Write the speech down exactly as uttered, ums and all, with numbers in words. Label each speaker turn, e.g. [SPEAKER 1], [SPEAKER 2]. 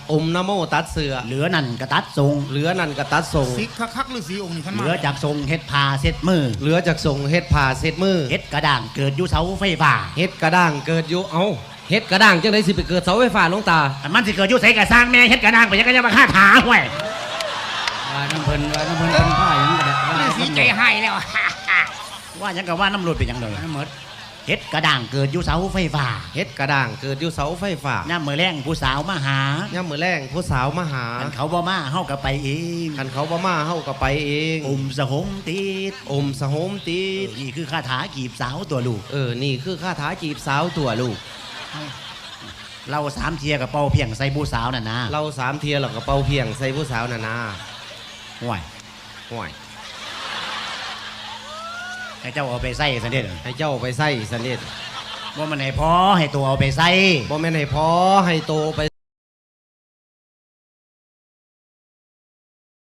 [SPEAKER 1] อมนะโมตัดเสือ
[SPEAKER 2] เหลือนั่นกระตัดทรง
[SPEAKER 1] เหลือนั่นกระตัดทรง
[SPEAKER 3] สิคักคักหรือสีองค์นี่ขัน
[SPEAKER 2] เห
[SPEAKER 3] มา
[SPEAKER 2] ลือจากทรงเฮ็ดผ้าเซ็ดมือ
[SPEAKER 1] เหลือจากทรงเฮ็ดผ่าเซ็ดมือ
[SPEAKER 2] เฮ็ดกระด่างเกิดอยู่เสาไฟฟ้า
[SPEAKER 1] เฮ็ดกระด้างเกิดอยู่เอ้าเฮ็ดกระด้างจังได๋สิไปเกิดเสาไฟฟ้าหลวงตา
[SPEAKER 2] มันสิเกิดอยู่ไสกะสร้างแม่เฮ็ดกระด่างไปยังก็จะมาฆ่าถาห้วยว่าน้ำเพิ่นว่าน้ำเพิ่นเป็นผ้าหยังก็ได้ว่า
[SPEAKER 3] สีใจให้แล้ว
[SPEAKER 2] ว่าหยังก็ว่าน้ำรดเป็นหยังเลยน้ำหมดเฮ็ดกระด่างเกิดอยู่เสาไฟฟ้า
[SPEAKER 1] เฮ็ดกระด้างเกิดอยู่เสาไฟฟ้า
[SPEAKER 2] ย่ามมื้อแลงผู้สาวมาหา
[SPEAKER 1] ย่ามมื้อแลงผู้สาวมาหา
[SPEAKER 2] คันเขาบ่มาเฮาก็ไปเอง
[SPEAKER 1] คันเขาบ่มาเฮาก็ไปเอง
[SPEAKER 2] อมสะหมติด
[SPEAKER 1] อมสะหมติด
[SPEAKER 2] นี่คือคาถาจีบสาวตัวลูก
[SPEAKER 1] เออนี่คือคาถาจีบสาวตัวลูก
[SPEAKER 2] เราสามเทียกับเป่าเพียงใส่ผู้สาวน่ะนะ
[SPEAKER 1] เราสามเทียแล้วก็เป่าเพียงใส่ผู้สาวน่ะนะ
[SPEAKER 2] ห่วย
[SPEAKER 1] ห่วย
[SPEAKER 2] ให้เจ้าเอาไปใส่ซะเด้อ
[SPEAKER 1] ให้เจ้าไปใส่ซะเด้อ
[SPEAKER 2] บ่มันให้พอให้ตัวเอาไปใส่
[SPEAKER 1] บ่แม่นให้พอให้โตไป